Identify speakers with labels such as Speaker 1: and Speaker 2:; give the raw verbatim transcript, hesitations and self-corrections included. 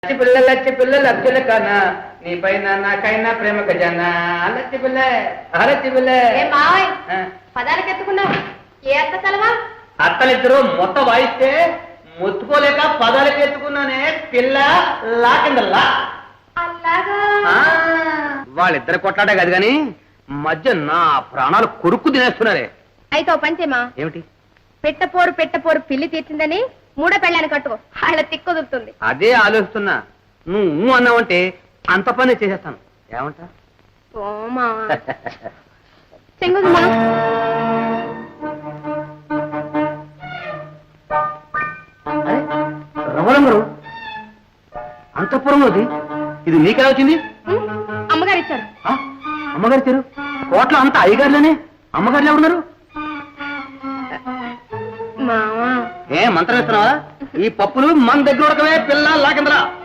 Speaker 1: లచ్చి పిల్ల లచ్చి పిల్ల లచ్చుల కన్నా నీ పైన నాకైనా ప్రేమ ఖజానా లచ్చి పిల్ల లచ్చి పిల్ల
Speaker 2: ఏ మావయ్ పదాలకు ఎత్తుకున్నావు ఏ అత్త తలవా
Speaker 1: అత్తలిద్దరు మొత్త వాయిస్తే మొత్తుకోలేక పదాలకు ఎత్తుకున్నానే పిల్ల లాకిందల్లా
Speaker 2: అలాగా
Speaker 1: వాళ్ళిద్దరు కొట్లాడే కాదు గాని మధ్య నా ప్రాణాలు కొరుక్కు తినేస్తున్నారే.
Speaker 2: అయితే ఓ పంచేమా
Speaker 1: ఏమిటి?
Speaker 2: పెట్టపోరు పెట్టపోరు పిల్లి తీర్చిందని మూడో పెళ్ళాన్ని కట్టుకో వాళ్ళ తిక్కుదురుతుంది.
Speaker 1: అదే ఆలోచిస్తున్నా. నువ్వు అన్నావంటే అంత పని చేసేస్తాను. ఏమంటా?
Speaker 2: ఓమా చెంగుదమ్మా
Speaker 1: రమణమ్మరు అంతఃపురం అది ఇది నీకెలా వచ్చింది?
Speaker 2: అమ్మగారు ఇచ్చారు.
Speaker 1: అమ్మగారు ఇచ్చారు? కోట్ల అంత అయ్యగారులేనే అమ్మగారులు ఎవరున్నారు?
Speaker 2: మావా
Speaker 1: ఏ మంత్రం ఇస్తున్నావా? ఈ పప్పులు మన దగ్గర ఉడకవే పిల్ల లాకిందరా.